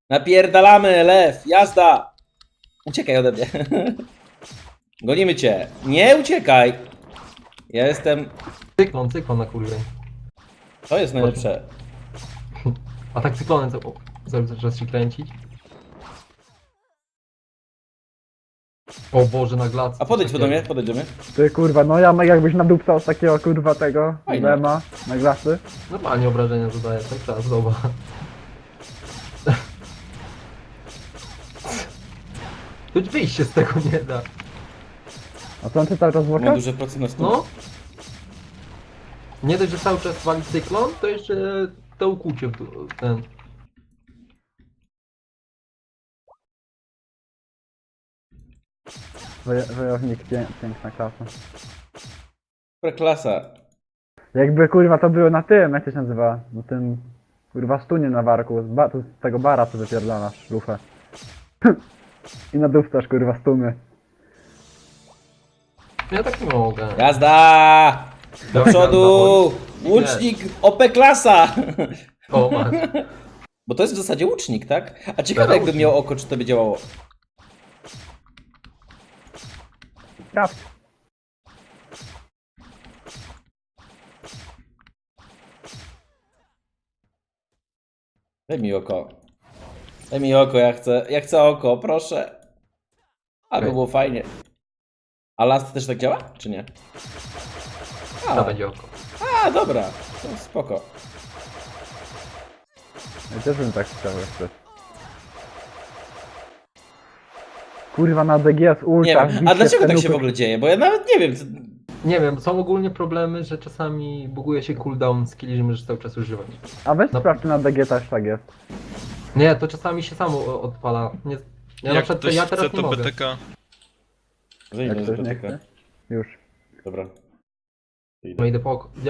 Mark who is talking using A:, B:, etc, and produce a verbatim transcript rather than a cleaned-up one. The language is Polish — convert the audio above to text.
A: Napierdalamy, lew, jazda! Uciekaj ode mnie. Gonimy cię. Nie uciekaj! Ja jestem...
B: Cyklon, cyklon na kurwie.
A: To jest najlepsze.
B: A tak cyklonem co? Zaraz się kręcić. O Boże, na glac.
A: A podejdź do mnie, podejdź do mnie.
C: Ty kurwa, no ja jakbyś nadupcał z takiego kurwa tego
A: Fajnie.
C: lema na glasy.
B: Normalnie obrażenia zadaję, tak czas, dobra. Tu wyjść się z tego nie da.
C: A co on ty cały czas
A: Ma
C: włoka?
A: duży procent na stół.
B: No. Nie dość, że cały czas wali cyklon, to jeszcze to ukłucie w dół- ten.
C: Woje- Wojownik, pię piękna klasa.
A: Dobra klasa.
C: Jakby kurwa to było na tym, jak to się nazywa? Na tym kurwa stunie na warku, z, ba to z tego bara co wypierdalasz, lufę. I nadupcasz kurwa stumy.
B: Ja tak nie mogę.
A: Jazda! Do
B: Dobra,
A: przodu!
B: dawaj.
A: Łucznik O P klasa!
B: O, masz.
A: Bo to jest w zasadzie łucznik, tak? A ciekawe
B: Teraz
A: jakby
B: łucznik.
A: miał oko, czy to by działało.
C: Sprawdź.
A: Daj mi oko. Daj mi oko, ja chcę, ja chcę oko, proszę. A, by
B: Okej.
A: było fajnie. A last też tak działa, czy nie?
B: To
A: A,
B: będzie oko.
A: a dobra, to spoko.
C: Ja też bym tak chciał jeszcze. Kurwa na D G z
A: Nie
C: ulta.
A: wiem, a dlaczego tak się w ogóle dzieje? Bo ja nawet nie wiem. Co...
B: Nie wiem, są ogólnie problemy, że czasami buguje się cooldown skilli, że możesz cały czas używać.
C: A weź
B: No.
C: sprawdź, czy na D G też tak jest.
B: Nie, to czasami się samo o- odpala. Nie, ja na
D: Jak
B: przykład
D: ktoś
B: ja teraz
D: chce,
B: nie
D: to
B: mogę.
D: B T K.
A: Zajmę
C: Jak
A: z
C: ktoś nie
A: B T K.
C: chce. Już.
A: Dobra.
B: No idę po oko.